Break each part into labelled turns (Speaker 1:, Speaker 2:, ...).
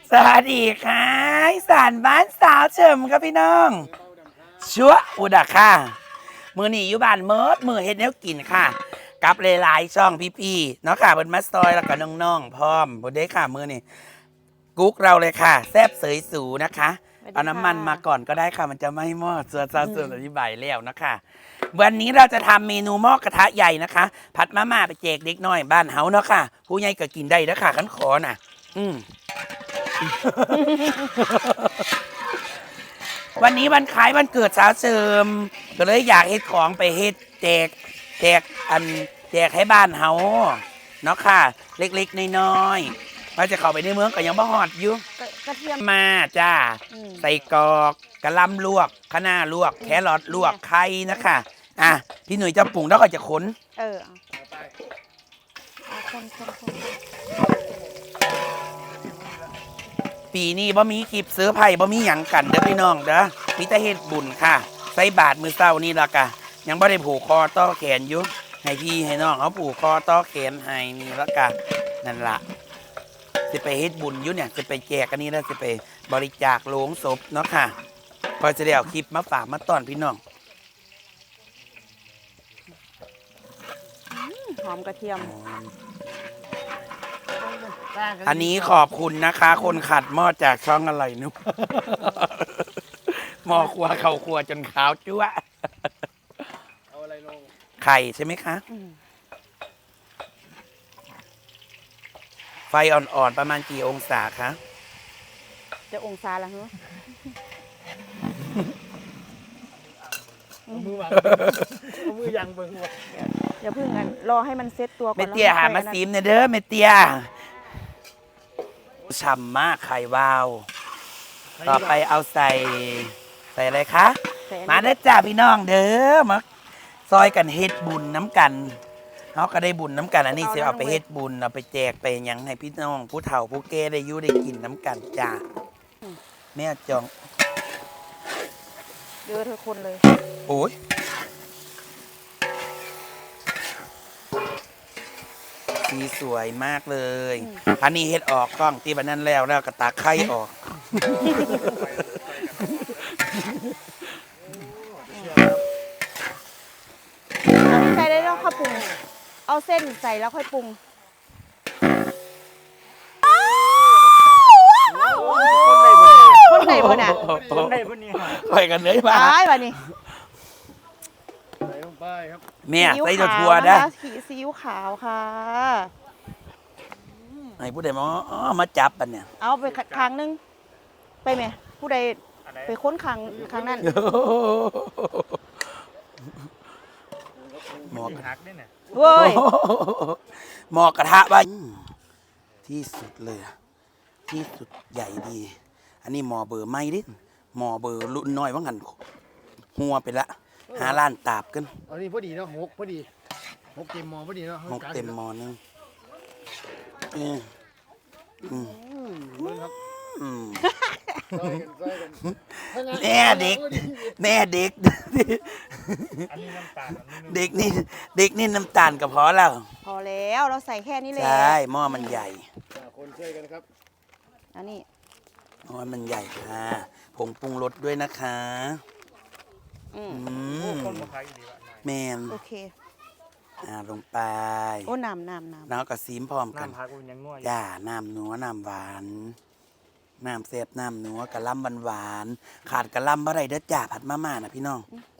Speaker 1: สวัสดีค่ะอีสานบ้านสาวเฉิมครับพี่น้องชัวอุดะค่ะมือหนีอยู่บ้านเมิดมือเฮ็ดแนวกินค่ะกับหลายๆช่องพี่ๆเนาะค่ะเพิ่นมาซอยแล้วก็น้องๆพร้อมบ่ได้ค่ะมือนี่กุ๊กเราเลยค่ะแซ่บเสยสูนะคะเอาน้ำมันมาก่อนก็ได้ค่ะมันจะไม่มอดส่วนอธิบายแล้วนะคะวันนี้เราจะทำเมนูหม้อกระทะใหญ่นะคะผัดมาม่าไปแจกเด็กน้อยบ้านเฮาเนาะค่ะผู้ใหญ่ก็กินได้เด้อค่ะคันขอน่ะวันนี้วันคล้ายวันเกิดสาวเสริมก็เลยอยากเฮ็ดของไปเฮ็ดแจกแจกให้บ้านเฮาเนาะค่ะเล็กๆน้อยๆว่าจะเข้าไปในเมืองก็ยังบ่ฮอดอยู่
Speaker 2: กระเทียม
Speaker 1: มาจ้าใส่กรอกกะหล่ำลวกคะน้าลวกแครอทลวกไข่นะคะพี่หนุ่ยจะปรุงแล้วก็จะขนปีนี้บ่มีคลิปเสื้อไผ่บ่มีหยังกันเด้อพี่น้องเด้อมีแต่เฮ็ดบุญค่ะใส่บาตรมื้อเช้านี่ล่ะกะยังบ่ได้ผูกคอต่อแขนอยู่ให้พี่ให้น้องเขาผูกคอต่อแขนให้นี่ละกะนั่นล่ะจะไปเฮ็ดบุญอยู่เนี่ยจะไปแจกอันนี้แล้วจะไปบริจาคโลงศพเนาะค่ะพอจะได้เอาคลิปมาฝากมาต้อนพี่น้อง
Speaker 2: หอมกระเทียม
Speaker 1: อันนี้ขอบคุณนะคะคนขัดหม้อจากช่องอะไรนุ๊กหม้อครัวเขาครัวจนขาวจั๊วเอาอะไรลงไข่ใช่ไหมคะไฟอ่อนๆประมาณกี่องศาคะ
Speaker 2: จะองศาละเหรอ
Speaker 3: มือวางมือยังเบิ่ง
Speaker 2: อย่าพึ่งกันรอให้มันเซ็ตตัวก่อน
Speaker 1: เมเตียหามาซีมเนี่ยเด้อเมเตียฉ่ำมากไข่วาวต่อไปเอาใส่อะไรคะมาเด้อจ้าพี่น้องเด้อมาซอยกันเฮ็ดบุญน้ำกันเขาก็ได้บุญน้ำกันอันนี้สิเอาไปเฮ็ดบุญเอาไปแจกไปยังให้พี่น้องผู้เฒ่าผู้แก่ได้อยู่ได้กินน้ำกันจ้าแม่จอง
Speaker 2: เยอะเธอคนเลย
Speaker 1: โอ้ยสีสวยมากเลยอันนี้เฮ็ดออกกล้องตีบันนั้นแล้วก็ตาไข่ออก
Speaker 2: ใส่ได้แล้วค่อยปรุงเอาเส้นใส่แล้วค่อยปรุงคนไหนบ่เนี่ย
Speaker 3: คนไหนบ่เนี่ย
Speaker 1: ไปกันเลยมา
Speaker 2: บ่นี่
Speaker 3: ใส่ลงไปครับ
Speaker 1: แม่ใส่ถั่วนะ
Speaker 2: ซีอิ๊วขาวค่ะ
Speaker 1: ไอ้ผู้ใดมาจับปันเนี่ย
Speaker 2: เอาไปครั้งนึงไปไหมผู้ใดไปค้นครั้งนั้น
Speaker 1: หมอก
Speaker 3: หักได้เนี่ย
Speaker 2: เว้ย
Speaker 1: หมอกกระทะว่าที่สุดเลยที่สุดใหญ่ดีอันนี้หมอเบอร์ไม่ดิหมอเบอร์รุ่นน้อยว่างันหัวไปละหาล้านตาบกัน
Speaker 3: อันนี้พอดีเนาะหกพอดีหกเต็มหมอพอดีเนาะ
Speaker 1: หกเต็มหมอนึงแม่เด็กเด็กนี่น้ำตาลกับพอแล้ว
Speaker 2: พอแล้วเราใส่แค่นี้เลย
Speaker 1: ใช่หม้อมันใหญ่
Speaker 3: คนช่วยกันครับ
Speaker 2: อันนี้
Speaker 1: หม้อมันใหญ่ค่ะผงปรุงรสด้วยนะคะแมน
Speaker 2: โอเค
Speaker 1: ลงไป
Speaker 2: โอ้น้ำ
Speaker 1: แล้วก็ซีมพร้อมกันจ้าน้ำนัวน้ำหวานน้ำเสพน้ำนัวกะล่ำหวานขาดกะล่ำอะไรเด้อจ้าผัดมาม่านะพี่น้อง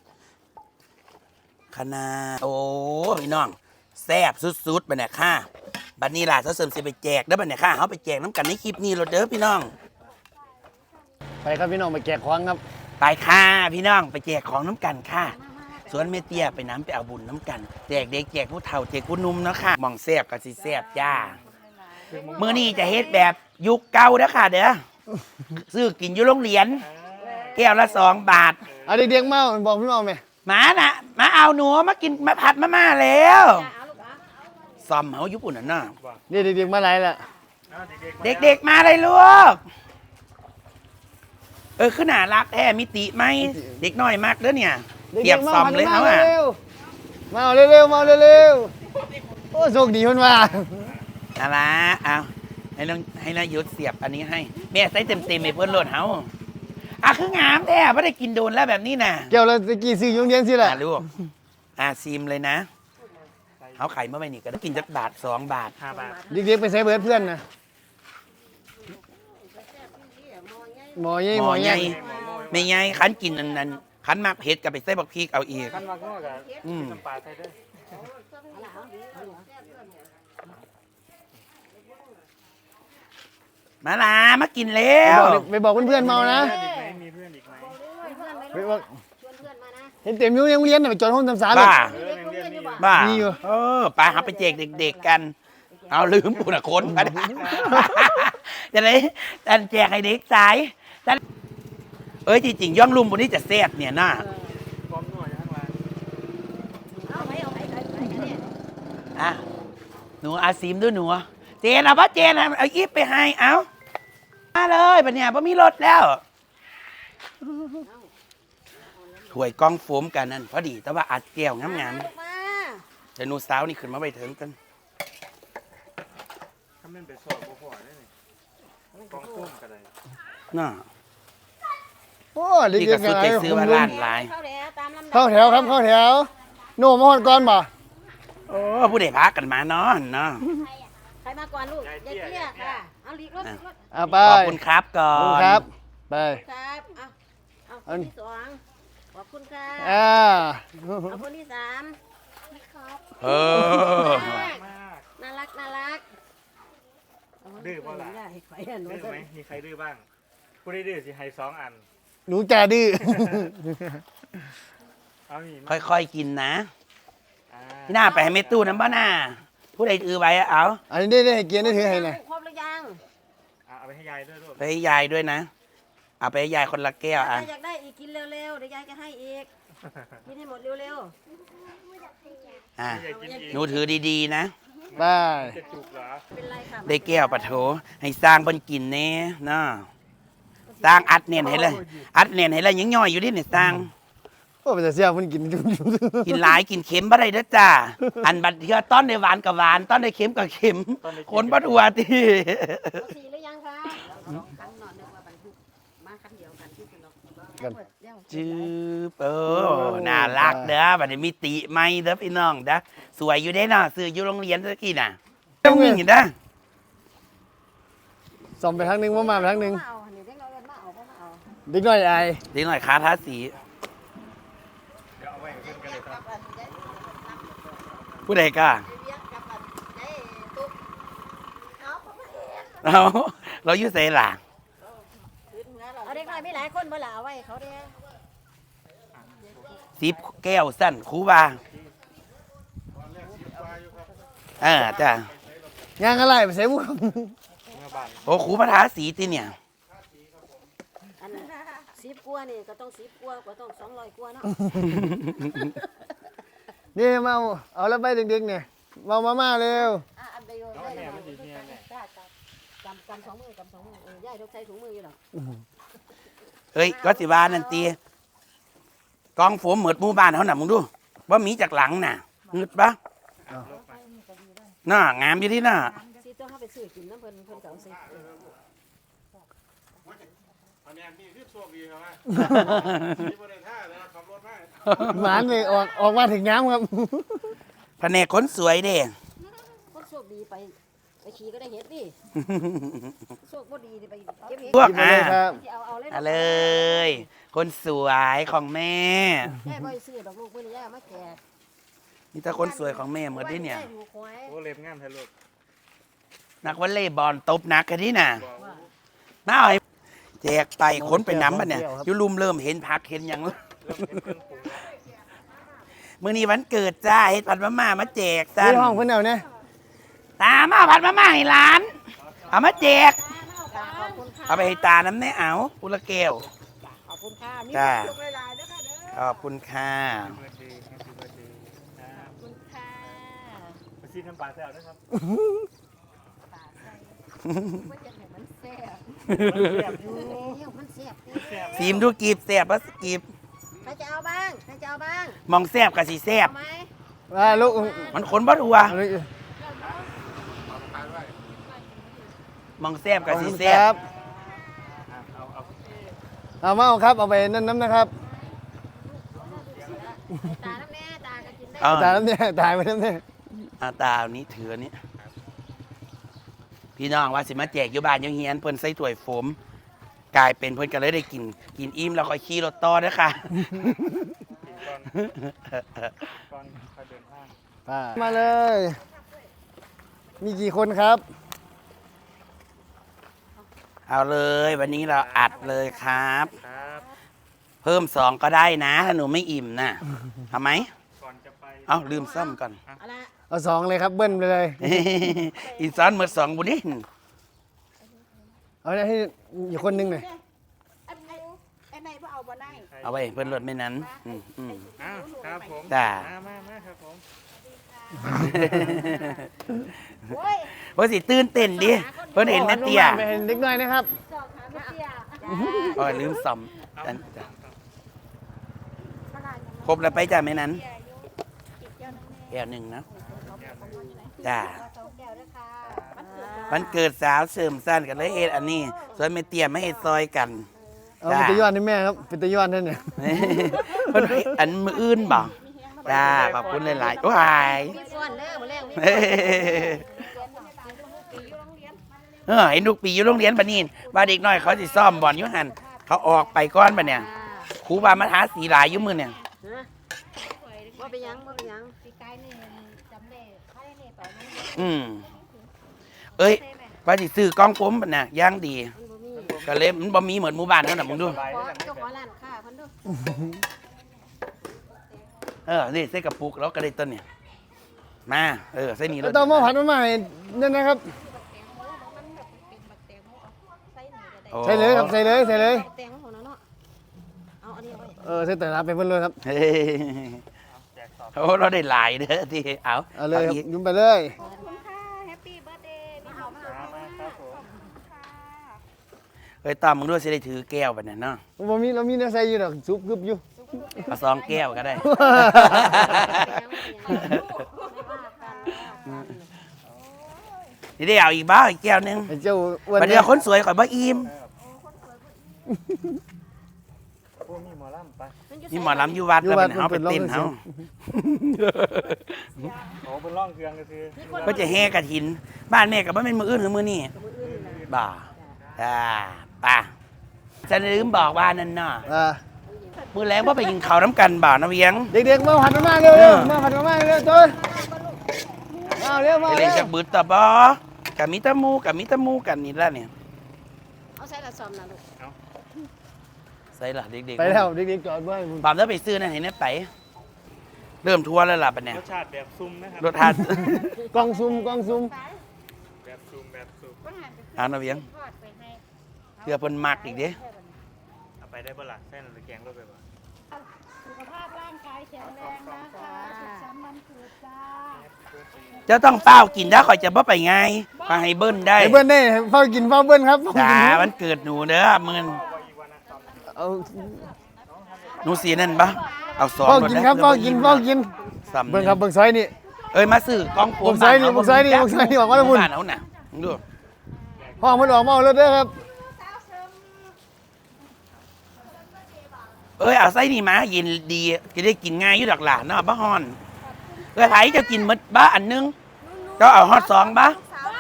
Speaker 1: คณะโอ้พี่น้องแซ่บสุดๆไปเนี่ยค่ะบัดนี้ล่ะเขาเสริมสิไปแจกเด้อบัดเนี่ยค่ะเขาไปแจกน้ำกันในคลิปนี้เราเด้อพี่น้อง
Speaker 3: ไปครับพี่น้องไปแจกของครับ
Speaker 1: ไปค่ะพี่น้องไปแจกของน้ำกันค่ะสวนเมเตียไปน้ำไปเอาบุญน้ำกันแจกเด็กแจกผู้เฒ่าแจกผู้นุ่มเนาะค่ะมองแซ่บกับสิแซ่บจ้ามื้อนี้จะเฮ็ดแบบยุคเก่าเด้อค่ะเด้อซื้อกินอยู่โรงเรียนแก้วละ2 บาท
Speaker 3: เอาเด็กๆมาบอกพี่น้องไหม
Speaker 1: มาน่ะมาเอาหนูมากินมาผัดมาม่าแล้วซ่อมเฮาญี่ปุ่นน่ะ
Speaker 3: นี่เด็กๆมาไหนล่ะ
Speaker 1: เด็กๆมาเลยลูกขนาดรักแท้มิติไหมเด็กน้อยมากเด้อเนี่ยเทียบซ่อมเลยเขา
Speaker 3: มาเร็วโอ้โชคดีคนว่า
Speaker 1: อะไรเอาให้นายยุทธเสียบอันนี้ให้แม่ใส่เต็มไอ้เพื่อนโหลดเฮาคืองามแท้ไม่ได้กินโดนแล้วแบบนี้นะ
Speaker 3: เกี่ยวแล้วตะกี้ซื้ออยุ่โรงเรียนสิล่ะ
Speaker 1: ลูกซีมเลยนะเขาไข่เมื่อไหร่นี่ก็ได้กินจักบาท2 บาท
Speaker 4: 5 บาท
Speaker 3: เด็กๆไปใส่เบิร์ดเพื่อนนะหมอใหญ่
Speaker 1: ห
Speaker 3: ห
Speaker 1: ม
Speaker 3: ม
Speaker 1: อ
Speaker 3: อ
Speaker 1: ให
Speaker 3: ให
Speaker 1: ญ่
Speaker 3: ญ่
Speaker 1: ไม่ใหญ่คันกินอันนั้นคันมากเผ็ดกับไปใส่บักพริกเอาอีก
Speaker 4: ขั้นมากก็น้ำปลาใส่ด้วย
Speaker 1: มาลามากินแล้ว
Speaker 3: ไปบอกเพื่อนๆเมานะ
Speaker 4: มีเพื่อนอีกไหม
Speaker 3: ไปบอกเห็นเต็มอยู่ในโรงเรียนน่ะไปจอดห้องทำสารเลย
Speaker 1: บ้า
Speaker 4: ยังเรียนมีอยู่
Speaker 1: บ้า
Speaker 3: มีอยู่
Speaker 1: ไปหาไปแจกเด็กๆกัน เอาลืมปุ่นคนมาได้ จะได้แต่แจกให้เด็กสายแต่จริงๆย่องลุมบนนี้จะแซ่บเนี่ยน่า
Speaker 4: พร้อมนวดอยู่ข้างล่าง
Speaker 1: หนูอาซิมด้วยหนูเจนเอาปะเจนเอาอีฟไปให้เอามาเลยปะเนี่ยพอมีรถแล้วถ้วยกล้องโฟมกันนั่นพอดีแต่ว่าอัดแก้วงามๆเดี๋ยวหนูสาวนี่ขึ้นมาไปถึงกัน
Speaker 4: ถ้ามันไปสอบบ่พอได้นี่กองตุ้มกันเลย
Speaker 1: น่า
Speaker 3: โอ้
Speaker 1: นี่
Speaker 3: เด็
Speaker 1: ก็
Speaker 3: กๆ
Speaker 1: สุด
Speaker 3: อะไร
Speaker 1: ไปซื้อมาล้านหลาย
Speaker 3: เข้าแถวครับเข้าแถวโน่มาหอดก่อนบ่
Speaker 1: โอ้ผู้ใดพากันมานอนเนาะ
Speaker 5: ใครมาก่อนลูกยายเตี้ยค่ะ เอาลีกรถลีกรถ
Speaker 3: อ่ะไป
Speaker 1: ขอบคุณครับก่อ
Speaker 3: ขอบคุณ
Speaker 1: น
Speaker 3: ครับไป
Speaker 5: ครับเอาคนที่สองขอบคุณค่ะ เอาคนที่สาม
Speaker 1: เออ
Speaker 5: น่ารักน่ารัก
Speaker 4: ดื้อเปล่าล่ะ
Speaker 5: ได้ไฟอัน
Speaker 4: ดื้
Speaker 5: นู้
Speaker 4: อน ไหมมีใครดื้อบ้างผู้ได้ดื้อสิให้2 อัน
Speaker 3: หนูจ่าดื้อ
Speaker 4: เอาอีก
Speaker 1: ค่อยๆกินนะพี่หน้าไปให้เมตู้น้ำบ้าหน้าผู้ใดอือไว้เอา
Speaker 3: อันนี้ได้ให้เกียรติได้ถือให้หน่อย
Speaker 5: ครบหรือยัง
Speaker 4: เอาไปให้ยายด้วยลูก
Speaker 1: ไปให้ยายด้วยนะเอาไปให้ยายคนละแก้ว
Speaker 5: ถ้า
Speaker 1: อ่ะ
Speaker 5: อยากได้อีกกินเร็วๆ เดี๋ยวยายจะให้อีก กินให้หมดเร็ว
Speaker 1: อ่ะ
Speaker 4: ยายกินอีก
Speaker 1: หนูถือดีๆนะ
Speaker 3: ไป
Speaker 4: จะจุกเหรอ
Speaker 5: ๆ เป็นไรค่ะ
Speaker 1: ได้แก้วปะโถให้สร้างบนกินแน่เนาะสร้างอัดเนียนให้เลยอัดเนียนให้เลยยังย่อยอยู่ดิเนี่ยสร้าง
Speaker 3: โอ้ไปแต่เสียมันกินจุ๊บ
Speaker 1: กินหลายกินเค็มบ่ได้เด้อจ้าอันบัดเทือต้อนได้หวานกับหวานต้อนได้เค็มกับเค็มคนบัดหัวตี
Speaker 5: เอาสีหรือยังคะคันนอนนึกว่าบรรทุกมาคันเดียวกันที่คุณเรา
Speaker 1: จืบน่ารักเด้อบัดนี้มีติไหมเด้อพี่น้องเด้อสวยอยู่เด้เนาะซื้ออยู่โรงเรียนตะกี้น่ะต้องมีอยู่เด้อ
Speaker 3: ส่อมไปทางหนึงว่ามาไปทางหนึง
Speaker 5: มาเอาเดี๋ยวเด็กเราเรียนมาเอาก็มาเอา
Speaker 3: เด็กน้อยไอาย
Speaker 1: เด็กหน่อยค้าทาสี
Speaker 4: เดี๋ยวเอาไว้ให้เพื่อนกันเลยครับ
Speaker 1: ผู้ใดกล้า
Speaker 5: เรียกกับอันไอ้ตุ๊กเอาเข้ามาเอง
Speaker 1: เราอยู่ไสล่ะ
Speaker 5: เอาเด็กน้อยมีหลายคนบ่ล่ะเอาไว้เขาเด้
Speaker 1: 10 แก้วสั้นครูว่าจ้ะ
Speaker 3: ย่างอะไรไปใส่บุ้ง
Speaker 4: เมื่อบ้าน
Speaker 1: โอ้ครูมาทาสีติเนี่ย
Speaker 5: อัน10 กว่านี่ก็ต้อง10 กว่าก็ต้อง200 กว่าเนาะ
Speaker 3: นี่มาเอาแล้วไปเด็กๆเนี่ยมาเร็ว
Speaker 5: อันเดียว
Speaker 4: เอา
Speaker 5: ได้
Speaker 4: แม่
Speaker 5: แล้ว
Speaker 4: มันดีเนี่ยแม่
Speaker 5: กำ2 มือกำ2 มือยายต้องใช้ถุงมืออยู่หรอก
Speaker 1: เอ้ยก็สิว่านั่นตีกองโฟมเหมือดหมู่บ้านเขาน่ะมึงดูว่ามีจากหลังน่ะงึดปะน่างามอยู่ที่น่ะ
Speaker 5: สิต้องเข้าไปซื้อกินน้ำเพิ่นก็เอาสิ
Speaker 4: อันนี้มีคือโชคดีครับมีบริษัทแล้วขับรถมา
Speaker 3: หมานเลยออกมาถึงน้ำครับ
Speaker 1: แผนกคนสวยเด้
Speaker 5: คนโชคดีไปขี่ก็ได้เห็ดดิโชคบ่ดีไปเก็บเห็ด
Speaker 1: พวก
Speaker 3: หยิบมาเลยครับ
Speaker 5: สิเอาเลย
Speaker 1: เอาเลย คนสวยของแม่
Speaker 5: แม่บ่ซื้อดอกลูกมื้อนี้ยายเอามาแจก
Speaker 1: นี่ถ้าคนสวยของแม่เหมือนที่เนี่ย
Speaker 5: ถูกหวย
Speaker 4: โอ้เล็บงามแท้ลูก
Speaker 1: นักวอลเลย์บอลตบหนักกันที่น่ะมาเอาให้แจกไปคนไปน้ำมันเนี่ยอยุลุมเริ่มเห็นผักเห็นอย่างแล้วมื้อนี้วันเกิดจ้าเฮ็ดผัดมะม่ามาแจกจ้า
Speaker 3: ที่ห้องเพิ่นเอาเนี่ย
Speaker 1: ตามาผัดมะม่าให้ร้าน เอามาแจก
Speaker 5: ขอบคุณค่ะ
Speaker 1: เอาไปให้ตาน้ำแน่เอาอุละแก้ว
Speaker 5: ขอบคุณค่ะมี
Speaker 1: จ้า
Speaker 5: สุขหลายๆเด้อค่ะเด้อ
Speaker 1: ขอบคุณค่ะ
Speaker 4: เบิร์ดดีแฮปปี้เบิร์ดดีครับ
Speaker 5: ขอบคุณค่ะ
Speaker 4: ไปซีน้ำปลาแซวนะครับ
Speaker 5: ปากใส่ว่าจะให้มันแซ่บ
Speaker 4: แซ่บอยู่
Speaker 5: เดี๋ยวมันแซ่บดิ
Speaker 4: แซ่บ
Speaker 1: ซีมดูกีบแสบปะกีบ
Speaker 5: ใครจะเอาบ้างใครจะเอาบ้าง
Speaker 1: มองแสบกับสีแสบ
Speaker 5: เอาไหม
Speaker 3: ว่าลูก
Speaker 1: มันขนบ่ทัว
Speaker 3: เอาเลย
Speaker 1: มองแซ่บกับสีแซ่
Speaker 3: ครับ บเอามาเอาครับเอาไปนั่นน้ำนะครับ
Speaker 5: ตาน้ำแน่ตาก็กินได้
Speaker 1: เอา
Speaker 3: ตายน้ำเนี่ยตายไปน้ำเนี่ย
Speaker 1: อาตาเอานี้ถืออันนี้พี่น้องว่าสิมาแจกอยู่บ้านอยู่เฮียนเพิ่นใส่ถ้วยโฟมกลายเป็นเพิ่นก็เลยได้กินอิ่มแล้วค่อยขี่รถต่อเด้อค่ะ
Speaker 4: ก่อนค่อยเดินทาง
Speaker 3: มาเลย มีกี่คนครับ
Speaker 1: เอาเลยวันนี้เราอัดเลยครับ
Speaker 4: ครับ
Speaker 1: เพิ่ม2ก็ได้นะถ้าหนูไม่อิ่มนะทำไหม
Speaker 4: ก่อนจะไป
Speaker 1: เอาลืมซ่อมก่อน
Speaker 5: เอาละ
Speaker 3: เอาสองเลยครับเบิ้ลไปเลย
Speaker 1: อีสานเมื่อ2บุญนี่
Speaker 3: เอาให้อีกคนนึงหน่อย
Speaker 2: ไอ้ไหนบ่เอาบ่ได้
Speaker 1: เอาไว้เพิ่นรถไม่นั้นอืม
Speaker 4: อ้าวครับผม
Speaker 1: จ้า
Speaker 4: มาครับผม
Speaker 5: โอ้ย
Speaker 1: ว่าสิตื่นเต้นดิเพิ่นเห็นแม่เตี้ย
Speaker 3: ไปเห็นเด็กน้อยนะครับ
Speaker 5: สอกหาไม่เตี้ย
Speaker 1: โอ้ยลืมซ่อมจ้ะครบแล้วไปจ้ะแม่นั้นแก้วหนึ่งนะจ้า
Speaker 5: สองแก้วด้วยค่ะ
Speaker 1: วันเกิดสาวเสริมสั้นกันเลยเอ็ดอันนี้ส่วนแม่เตี้ยไม่เอ็ดซอยกัน
Speaker 3: เอาเป็นตะย้อนให้แม่ครับเป็นตะย้อนท่านเนี่ย
Speaker 1: เพิ่นอันมืออื่นบ่จ้าขอบคุณหลายๆว้าย
Speaker 5: มีส่วนเด้อมาแรงมี
Speaker 1: เห็นลูกปีอยู่โรงเรียนบัดนี้ว่าเด็กน้อยเขาสิซ่อมบอลอยู่หั่นเขาออกไปก่อนบัดเนี่ยครูบามาทาสีหลายอยู่มื้อเนี่ย
Speaker 5: ว่าไปยังว่าไปยังปีกายนี่จำได้ค่าได้นี่ไปมัน
Speaker 1: อืมเอ้ยว่าสิซื้อกล้องผมบัดน่ะย่างดี
Speaker 5: บ่มี
Speaker 1: ก็เลยมันบ่มีเหมือนหมู่บ้านเท่านั้นมึงดู
Speaker 5: ขอเจ้าของร้านค้าเพิ่นดู
Speaker 1: นี่ใส่กระปุกแล้วก็ได้ต้นเนี่ยมาใส่นี่
Speaker 3: แล้วต้องมาผัดมาใหม่นั่นนะครับ ใส่เลยครับใส่เลยใส่เลย
Speaker 5: แตงของเนาะเอาอันนี้เอาไว้
Speaker 3: ใส่แต่ละไปเพิ่นเลยครับ
Speaker 1: เฮ้ยโอ้เราได้หลายเด้อที่เอา
Speaker 3: เอาเลยครับ
Speaker 1: อีก
Speaker 3: ยุ่มไปเลย
Speaker 5: ขอบคุณค่ะแฮปปี้เบิร์ธเดย์มาเอามาเอา
Speaker 4: มาครับผม
Speaker 1: เฮ้ยตามมึงด้วยสิได้ถือแก้วบัดเนี่ยเนาะ
Speaker 3: เรามีเนื้อใส่อยู่ดอกซุปกึบอยู่
Speaker 1: เอา2แก้วก็ได้ นี่ได้เอาอีกบ้าอีกแก้วหนึง
Speaker 3: ไอ้เจ้าอ้วน
Speaker 1: ประเดี๋ยวคนสวยข่อยบ่อิ่ม
Speaker 4: พวกมีหมอลำไป
Speaker 1: นี่หมอลำอยู่วัดแล้วเป็นเอาไปเต้นเฮา
Speaker 4: โอ้เป็นร่องเครื่องก็คือ
Speaker 1: ก็จะแห่กระถิน บ้านแม่กับบ้านเป็นมืออื่นหรือมือนี่บ่าป่ะจะลืมบอกว่านั่นน่ะมือแรงว่าไปกินข้าวน้ำกันบ่านะเวียง
Speaker 3: เด็กๆมาผัดมาม่าเร็วๆมาผัดมาม่าเร็วๆตัวมาเร็วมา
Speaker 1: ไป
Speaker 3: เร็
Speaker 1: เล่น
Speaker 3: ว
Speaker 1: จากบืดตะบอกัมิตามูกันนี่ละเนี่ย
Speaker 5: เอาใส่ละซอมนะลูก
Speaker 1: ใส่ละเด็กๆ
Speaker 3: ไปแล้วเด็กๆจอดไว้
Speaker 1: ปามแล้วไปซื้อนั่นเห็นไหมไป เริ่มทัวร์แล้วล่ะปะเนี่ย
Speaker 4: รสชาติแบบซุ่มนะครับ
Speaker 1: รถทัด
Speaker 3: กล้องซุ่มกล้องซุ่ม
Speaker 4: แบบซุ่มแบบซุ่ม
Speaker 1: เอานะเวียงเพื่อเพิ่นมักอีกเด้
Speaker 4: เอาไปได้บ่ล่ะแค่นั้นหรือแกงรถไปบ่
Speaker 5: สุขภาพร่างกายแข็งแรงนะคะสุขสันต์วันเกิดจ้า
Speaker 1: เจ้าต้องเฝ้ากินถ้าข่อยจะบ่ไปไงก็ให้เบิ้นได้
Speaker 3: ไอ้เบิ้ลได้เฝ้ากินเฝ้าเบิ้ลครับ
Speaker 1: จ้าวันเกิดหนูเด้อมื้อ
Speaker 3: เอา
Speaker 1: หนูสีนั่นปะเอาซอง
Speaker 3: เฝ้ากินครับเฝ้ากินเฝ้ากิน
Speaker 1: ซ้ำ
Speaker 3: เบิ้ลครับเบิ้ลซอยนี่
Speaker 1: เอ้ยมาซื้อกล้องโฟม
Speaker 3: ผมใส่นี่ผมใส่นี่ผมใส่นี่ออกมาแล้วพุ่น
Speaker 1: บ้านเอาน่ะมึงดู
Speaker 3: ห้องมันออกมาเอารถเด้อครับ
Speaker 1: เอ้ยเอาไส้นี่มายินดีจะได้กินง่ายอยู่ดอกหลานเนาะบ้าฮอนเอ้ยไผจะกินหมดบ้าอันนึงเจ้าเอาฮอดสองบ้า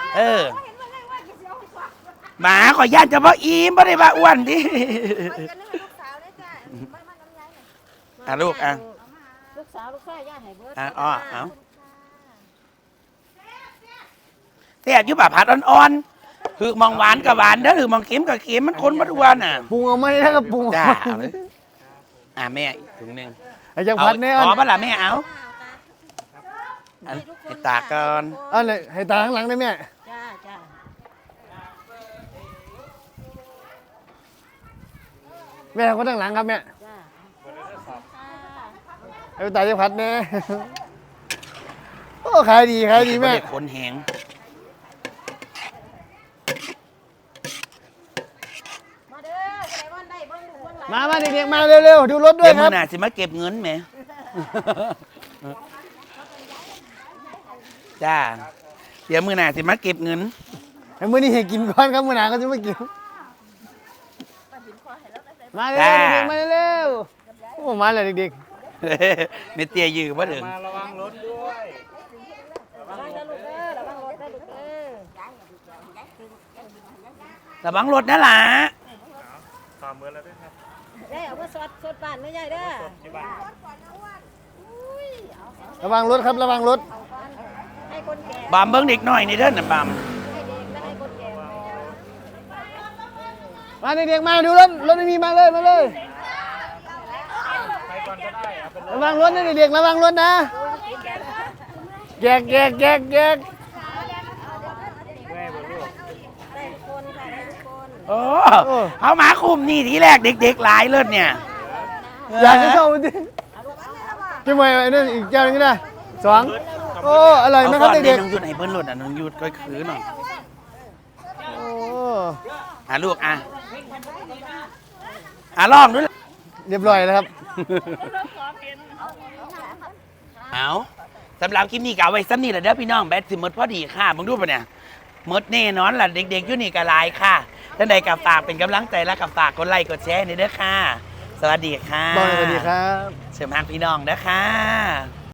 Speaker 1: หมาขอย่านจะบ่อิ่มบ่ได้บ่าอ้วนดิอ่ะลูกอ่ะ
Speaker 5: ลูกสาวลูกชายญาติให้เบิร์ด
Speaker 1: เอาแซ่บอยู่ป่ะผัดอ่อนๆคือมองหวานกับหวานเด้อหรือมองเค็มกับเค็มมันคนบ่ทุกวันน่ะ
Speaker 3: ปรุงเอาไหมนะครับปรุง
Speaker 1: จ้า
Speaker 3: เอาไหม
Speaker 1: แม่อีกถุงหนึง
Speaker 3: ไอ้เจ้าพัดเนี่ย
Speaker 1: อ๋อบ้านหล่ะแม่เอาอันให้ตาก่อน
Speaker 3: อันเลยให้ตาข้างหลังได้ไหม
Speaker 5: จ้าจ้า
Speaker 3: แม่คนข้างหลังครับแม่
Speaker 5: จ้า
Speaker 3: ไอ้ตาเจ้าพัดเนี่ยโอ้ขายดีแม่
Speaker 1: บ่ได้ขนแหง
Speaker 5: มาเด้อใส่วันได้เบิ่งดูเบิ่งหลาย
Speaker 3: มาเด็กๆมาเร็วๆดูรถด้ว
Speaker 1: เดี๋
Speaker 3: ย
Speaker 1: ยว
Speaker 3: ค
Speaker 1: มื้
Speaker 3: รั
Speaker 1: อบ หน้าสิมาเก็บเงินแหม จ้า เดี๋ยวมื้อหน้าสิมาเก็บเงิน
Speaker 3: ไอ้มื้อนี้ให้กินก่อนครับมื้อหน้าก็จะไม่กินมาเร็วเด็กๆมาเร็วโอ้มาเลยเด็ก
Speaker 1: เมเตียยืมว่าถึง
Speaker 4: มาระวังรถด้วย
Speaker 5: ระวังนะลูกเด้อระวังรถนะลูกเด้อ
Speaker 1: ระวังรถนะล่ะ
Speaker 4: ตามเบอร์แล้วด้วยครับ
Speaker 5: ได้เอามาสดบ้านไม่ใหญ่เด้อ
Speaker 4: ที่บ้าน
Speaker 3: ๆระวังรถครับระวังรถ
Speaker 5: ให้คนแก่
Speaker 1: บามเบิ้งเด็กหน่อยนี่เด้อน่ะบาม
Speaker 5: ให้เด็กและให้คนแก่
Speaker 3: มาเด็กๆมาดูรถไม่มีมาเลยมาเลย
Speaker 4: ใครก่อนก็ได้เอาเป็น
Speaker 3: ระวังรถนะเด็กๆระวังรถนะแกก
Speaker 4: แม่บนลูก
Speaker 5: ได้ทุกคนค่ะได้ทุกคน
Speaker 1: โอ้เอาหมาคุมนี่ทีแรกเด็กๆหลายเลิศเนี่ย
Speaker 3: อยากจะเข้ามาดิกินไปไอ้นั่นอีกเจ้าหนึงก็ได้สองโอ้อร่อยไหมครับ
Speaker 1: เอาก่อน
Speaker 3: เด็ก
Speaker 1: น้องยุดให้เบิ้ลรถอ่ะน้องยุดก็คือหน่อย
Speaker 3: ๆโอ้
Speaker 1: ลูกลองด้วย
Speaker 3: เรียบร้อยแล้วครับ
Speaker 1: เอาสำหรับคลิปนี้ก็เอาไว้ซ้ำนี่แหละเด้อพี่น้องแบตสิหมดพอดีค่ะมึงดูปะเนี่ยหมดแน่นอนล่ะเด็กๆอยู่นี่ก็หลายค่ะท่านใดกับฝากเป็นกำลังใจและกับฝากกดไลค์กดแชร์นี่เด้อค่ะ สวัสดีค่ะ
Speaker 3: บอกเลยสวัสดีครับ
Speaker 1: เชิญทางพี่น้องเด้อค่ะ